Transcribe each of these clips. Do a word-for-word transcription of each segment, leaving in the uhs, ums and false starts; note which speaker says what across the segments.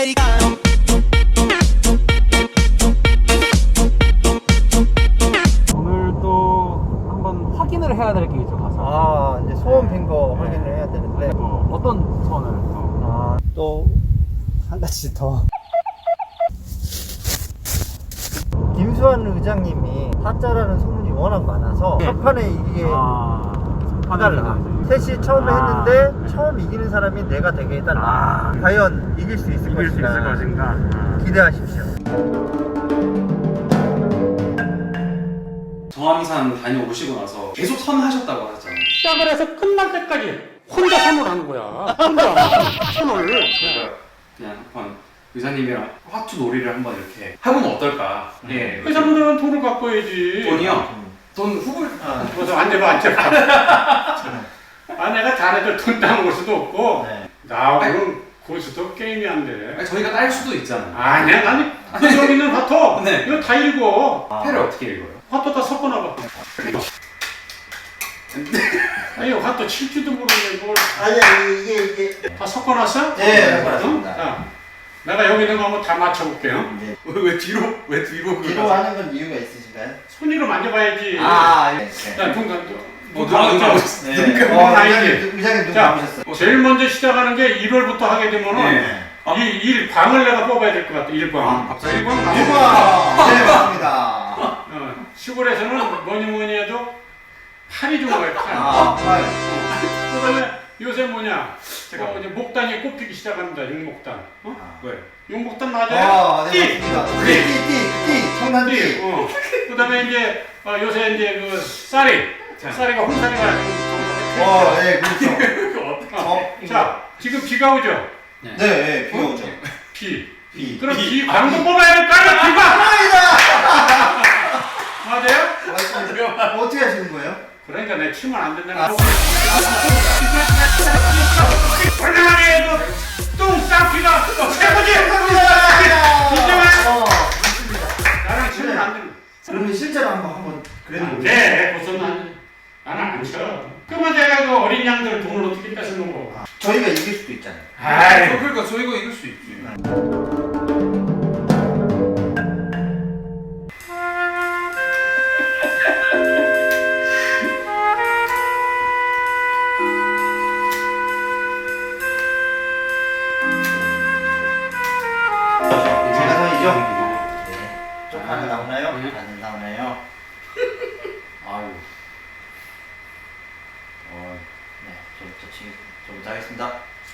Speaker 1: americano.
Speaker 2: 오늘 또 한번 확인을 해야 될 게 있죠, 가서.
Speaker 3: 아, 이제 소원 빈 거
Speaker 2: 네.
Speaker 3: 확인을 해야 되는데.
Speaker 2: 뭐 어떤 소원을 또?
Speaker 3: 아, 또 한 가지 더. 김수환 의장님이 타짜라는 소문이 워낙 많아서
Speaker 2: 네.
Speaker 3: 첫 판에 이기게
Speaker 2: 아,
Speaker 3: 해달라. 셋이 처음에
Speaker 2: 아.
Speaker 3: 했는데 처음 이기는 사람이 내가 되게 해달라.
Speaker 2: 아.
Speaker 3: 과연 이길 수 있을
Speaker 2: 이길 수
Speaker 3: 것인가.
Speaker 2: 있을 것인가? 아.
Speaker 3: 기대하십시오.
Speaker 4: 정암산 다녀오시고 나서 계속 선하셨다고 하셨잖아요.
Speaker 5: 시작을 해서 끝날 때까지 혼자 선을 하는 거야. 혼자 선을.
Speaker 4: 제가 그냥 한번 의사님이랑 화투 놀이를 한번 이렇게 해보면 어떨까? 예.
Speaker 5: 회사분들은 돈을 갖고 해야지.
Speaker 4: 돈이요? 돈 후불?
Speaker 3: 아,
Speaker 5: 그래서 앉아봐, 앉아봐. 아, 내가 자네들 돈 따먹을 수도 없고,
Speaker 3: 네.
Speaker 5: 나하고는 고수도 게임이 안 돼.
Speaker 4: 아니, 저희가 딸 수도 있잖아요.
Speaker 5: 아니야, 아니, 그 여기 있는 화토.
Speaker 4: 네.
Speaker 5: 이거 다 읽어.
Speaker 3: 아.
Speaker 4: 패를 어떻게 읽어요?
Speaker 5: 화토 다 섞어놔봐. 아니, 화토 칠 줄도 모르는데 뭘.
Speaker 3: 아니, 아니, 이게, 이게.
Speaker 5: 다 섞어놨어?
Speaker 3: 네,
Speaker 5: 응?
Speaker 3: 섞어놨습니다.
Speaker 5: 자, 내가 여기 있는 거 한번 다 맞춰볼게요.
Speaker 3: 이제
Speaker 4: 왜, 왜 뒤로? 왜 뒤로?
Speaker 3: 뒤로 하는 건 이유가 있으신가요?
Speaker 5: 손으로 만져봐야지.
Speaker 3: 아, 네. 네.
Speaker 5: 자, 눈 감,
Speaker 4: 어,
Speaker 5: 눈
Speaker 4: 누가 눈
Speaker 5: 감았죠?
Speaker 4: 감으셨어?
Speaker 3: 네.
Speaker 5: 눈
Speaker 3: 어,
Speaker 5: 감은
Speaker 3: 의장님,
Speaker 5: 아이지.
Speaker 3: 의장님 눈
Speaker 5: 자,
Speaker 3: 감으셨어요.
Speaker 5: 제일 먼저 시작하는 게 일월부터 하게 되면은
Speaker 3: 네.
Speaker 5: 이 일광을 내가 뽑아야 될 것 같아. 일광.
Speaker 4: 아, 갑자기?
Speaker 5: 일광.
Speaker 3: 일 번! 네, 맞습니다.
Speaker 5: 어, 시골에서는 뭐니 뭐니 해도 팔이 좋아요. 팔.
Speaker 3: 아, 팔.
Speaker 5: 그다음에 요새 뭐냐? 제가 이제 목단이 꼽히기 시작합니다. 육목단. 어?
Speaker 3: 아.
Speaker 4: 왜?
Speaker 5: 육목단
Speaker 3: 아,
Speaker 5: 맞아요?
Speaker 3: 네, 맞습니다. 띠, 띠, 띠, 띠, 청난
Speaker 5: 띠.
Speaker 3: 띠.
Speaker 5: 어. 그다음에 이제 어, 요새 이제 그 쌀이.
Speaker 4: 자.
Speaker 5: 쌀이가 홍쌀이가
Speaker 3: 어, 네, 그렇죠.
Speaker 5: 그 어떻게?
Speaker 3: 어,
Speaker 5: 자, 지금 비가 오죠?
Speaker 3: 네, 네, 비 오죠.
Speaker 5: 비.
Speaker 3: 비.
Speaker 5: 그럼 비 광고 뽑아야 될까요? 비가. 맞아요?
Speaker 3: 맞습니다. 어떻게 하시는 거예요?
Speaker 5: 그러니까 내 치면 안 된다는
Speaker 3: 아.
Speaker 5: 거. 불량하게 해도 똥 쌍피가 최고지. 인정해?
Speaker 3: 어,
Speaker 5: 나랑 치면 안 된다.
Speaker 3: 그러면 실제로 한번, 한번, 그래도.
Speaker 5: 안 돼. 무슨 난 나는 안 쳐. 그러면 내가 그 어린 양들 돈을 어떻게 뺏어놓은 거?
Speaker 3: 저희가 이길 수도 있잖아요.
Speaker 5: 아이.
Speaker 4: 그러니까 저희가 이길 수 있지.
Speaker 3: 제가 선이죠? 네. 좀 반응 나오나요? 반응 나오나요? 아유. 어, 네. 저부터 치, 저부터 하겠습니다.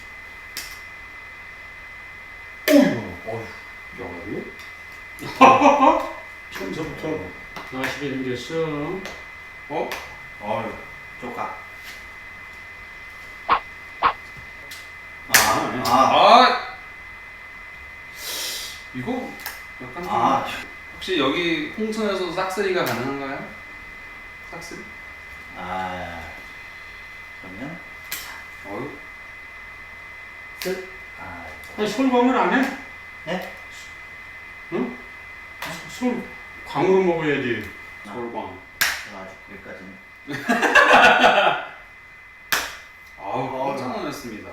Speaker 4: 어휴. 야,
Speaker 5: 처음부터 나시게 생겼어.
Speaker 4: 어?
Speaker 3: 어휴, 쪼까. 아, 아,
Speaker 4: 아! 이거 약간 좀
Speaker 3: 아.
Speaker 4: 혹시 여기 홍천에서도 싹쓸이가 가능한가요? 싹쓸이?
Speaker 3: 아. 그러면,
Speaker 4: 어휴.
Speaker 3: 끝. 아,
Speaker 5: 아니 솔광을 안 해?
Speaker 3: 네?
Speaker 5: 응? 솔 광으로 먹어야지.
Speaker 4: 솔광.
Speaker 3: 제가 아직 거기까지는.
Speaker 4: 아우, 깜짝 놀랐습니다.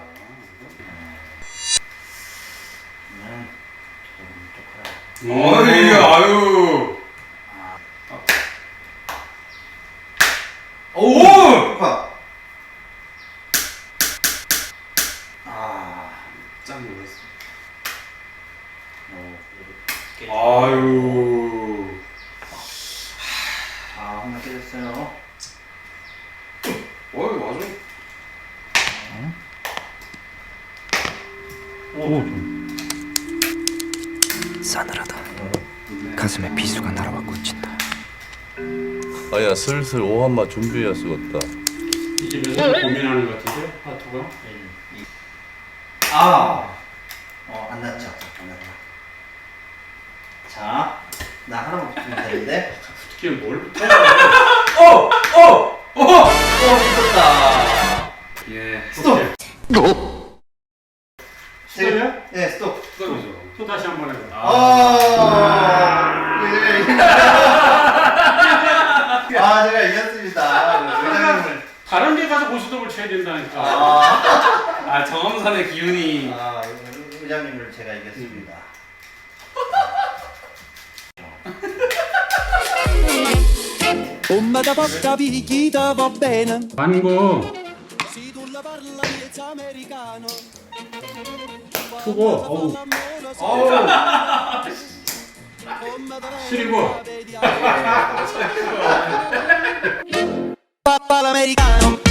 Speaker 3: 그러면, 좀 쪼카라.
Speaker 4: 어이, 아유.
Speaker 3: 아.
Speaker 4: 오!
Speaker 3: 쪼카. 아.
Speaker 4: 깜짝 놀랐어.
Speaker 3: 어, 그래도
Speaker 4: 아유.
Speaker 3: 아, 하나 깨졌어요.
Speaker 4: 어이, 맞아.
Speaker 3: 오,
Speaker 1: 싸늘하다. 가슴에 비수가 날아와 꽂힌다.
Speaker 6: 아야 슬슬 오한마 준비해야 쓰겠다.
Speaker 5: 이 집에서 고민하는 것 같은데 하트가.
Speaker 3: 아, 어, 안 났죠? 안 났다. 자, 나 하나만 붙이면 되는데.
Speaker 5: 특히 뭘 붙여?
Speaker 4: 어! 어! 어!
Speaker 3: 어, 붙었다.
Speaker 4: 예.
Speaker 3: 스톱.
Speaker 5: 스톱이야?
Speaker 3: 네, 스톱.
Speaker 4: 스톱이죠.
Speaker 5: 또 다시 한 번 해봐.
Speaker 3: 아, 예. 아, 제가 이겼습니다. 의장님을.
Speaker 5: 다른 데 가서 고스톱을 쳐야 된다니까.
Speaker 3: 아,
Speaker 4: 아, 정암산의 기운이.
Speaker 3: 아, 부장님을 제가 이겼습니다.
Speaker 7: Come da porta picchita va bene,
Speaker 5: 반고
Speaker 7: se tu la parla miezza americano.
Speaker 5: 수고. 어우. 시리고.
Speaker 7: Papà l'americano.